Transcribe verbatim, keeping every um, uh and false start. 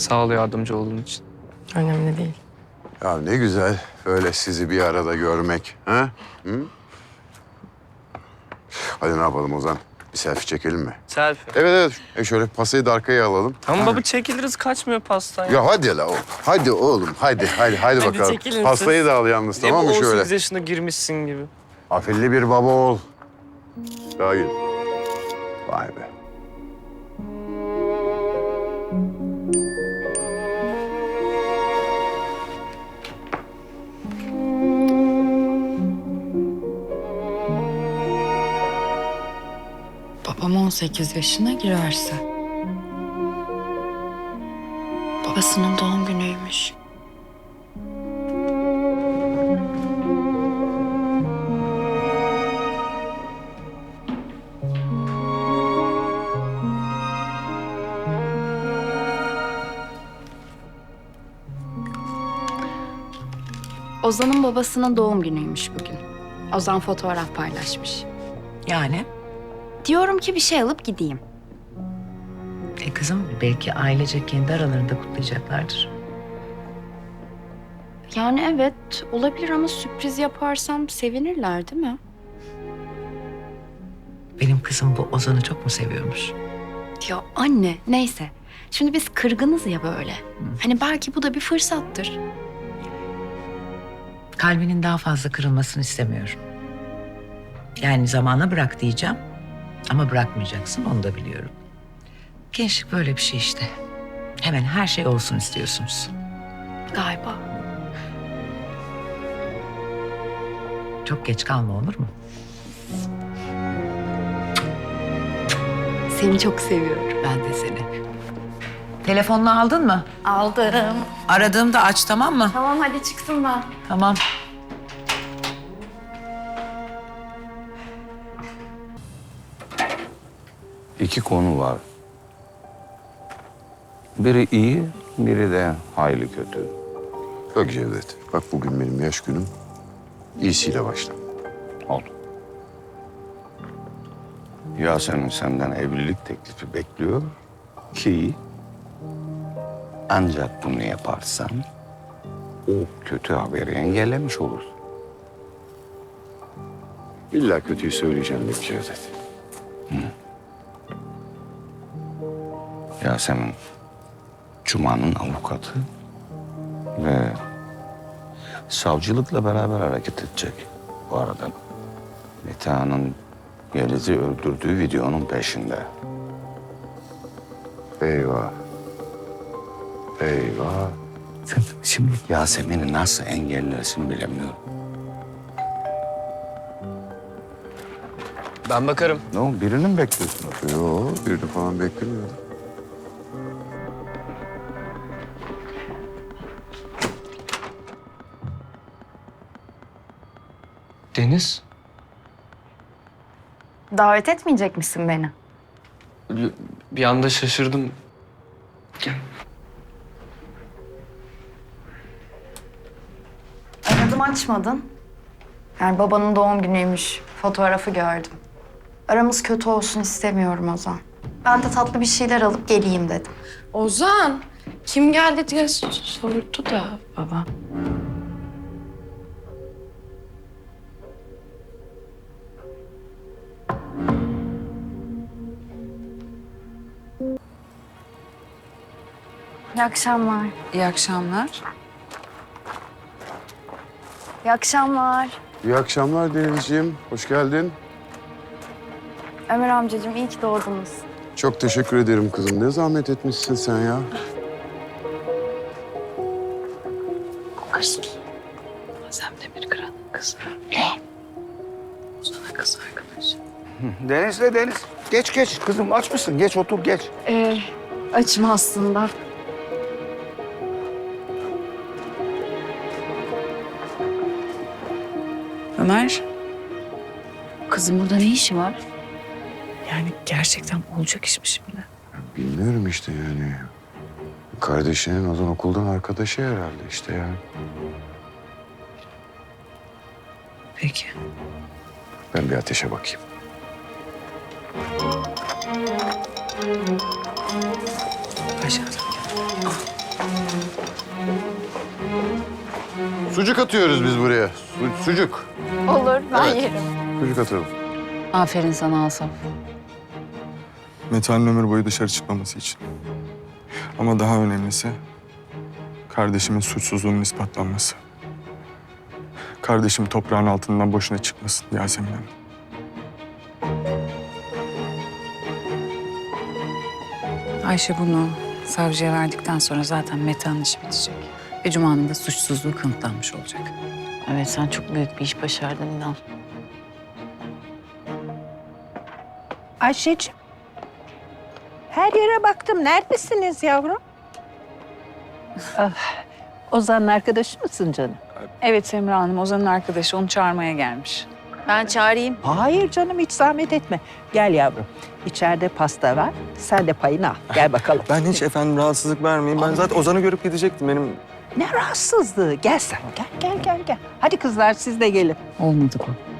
Sağ ol yardımcı olduğun için. Önemli değil. Ya ne güzel böyle sizi bir arada görmek. Ha? Hı? Hadi ne yapalım Ozan? Bir selfie çekelim mi? Selfie. Evet evet. E şöyle pasayı da arkaya alalım. Tamam baba çekiliriz kaçmıyor pastan. Ya hadi la oğlum. Hadi oğlum. Hadi hadi hadi, Hadi bakalım. çekilin Pastayı siz. da al yalnız tamam mı on şöyle? sekiz yaşında girmişsin gibi. Afilli bir baba ol. Daha gel. Vay be. Babam on sekiz yaşına girerse. Babasının doğum günüymüş. Ozan'ın babasının doğum günüymüş bugün. Ozan fotoğraf paylaşmış. Yani? Diyorum ki bir şey alıp gideyim. E kızım belki ailece kendi aralarında kutlayacaklardır. Yani evet olabilir ama sürpriz yaparsam sevinirler değil mi? Benim kızım bu Ozan'ı çok mu seviyormuş? Ya anne neyse. Şimdi biz kırgınız ya böyle. Hani belki bu da bir fırsattır. Kalbinin daha fazla kırılmasını istemiyorum. Yani zamana bırak diyeceğim. Ama bırakmayacaksın onu da biliyorum. Gençlik böyle bir şey işte. Hemen her şey olsun istiyorsunuz. Galiba. Çok geç kalma olur mu? Seni çok seviyorum. Ben de seni. Telefonunu aldın mı? Aldım. Aradığımda aç tamam mı? Tamam hadi çıktım ben. Tamam. İki konu var. Biri iyi, biri de hayli kötü. Bak Cevdet. Bak bugün benim yaş günüm. İyisiyle başla. Oldu. Yasemin senden evlilik teklifi bekliyor ki ancak bunu yaparsan o kötü haberi engellemiş olursun. İlla kötüyü söyleyeceğim bir Cevdet. Yasemin Cuma'nın avukatı ve savcılıkla beraber hareket edecek bu arada. Meta'nın Yeliz'i öldürdüğü videonun peşinde. Eyvah. Eyvah. Sen şimdi Yasemin'i nasıl engellersin bilemiyorum. Ben bakarım. Ne o, birini mi bekliyorsun? Yo, birini falan beklemiyordum. Deniz. Davet etmeyecek misin beni? Bir, bir anda şaşırdım. Gel. Aradım açmadın. Yani babanın doğum günüymüş. Fotoğrafı gördüm. Aramız kötü olsun istemiyorum Ozan. Ben de tatlı bir şeyler alıp geleyim dedim. Ozan, kim geldi diye sordu da baba. İyi akşamlar. İyi akşamlar. İyi akşamlar. İyi akşamlar Denizciğim. Hoş geldin. Ömer amcacığım iyi ki doğdunuz. Çok teşekkür ederim kızım. Ne zahmet etmişsin sen ya. Aşk. Azem Demirkıran'ın kızı. Ne? Ozan'a kız arkadaş. Deniz'le Deniz. Geç geç kızım aç mısın? Geç otur geç. Ee, açım aslında. Ömer, Kızım burada ne işi var? yani gerçekten olacak iş mi şimdi? Bilmiyorum işte yani. Kardeşinin Ozan okuldan arkadaşı herhalde işte ya. Peki. Ben bir ateşe bakayım. Aşağıda. Sucuk atıyoruz biz buraya. Su- sucuk. Olur, ben Evet. yerim. Sucuk atalım. Aferin sana Asaf. Metehan'ın ömür boyu dışarı çıkmaması için. Ama daha önemlisi kardeşimin suçsuzluğunun ispatlanması. Kardeşim toprağın altından boşuna çıkmasın Yasemin Hanım. Ayşe bunu savcıya verdikten sonra zaten Metehan'ın işi bitecek. Ve Cuma'nın da suçsuzluğu kanıtlanmış olacak. Evet sen çok büyük bir iş başardın İnal. Ayşeciğim. Her yere baktım. Neredesiniz yavrum? Ah, Ozan'ın arkadaşı mısın canım? Evet Semra Hanım, Ozan'ın arkadaşı onu çağırmaya gelmiş. Ben çağırayım. Hayır canım, hiç zahmet etme. Gel yavrum. İçeride pasta var. Sen de payını al. Gel bakalım. Ben hiç efendim rahatsızlık vermeyeyim. Ben zaten Ozan'ı görüp gidecektim. Benim Ne rahatsızlığı. Gel sen. Gel, gel, gel, gel. Hadi kızlar siz de gelin. Olmadı bu.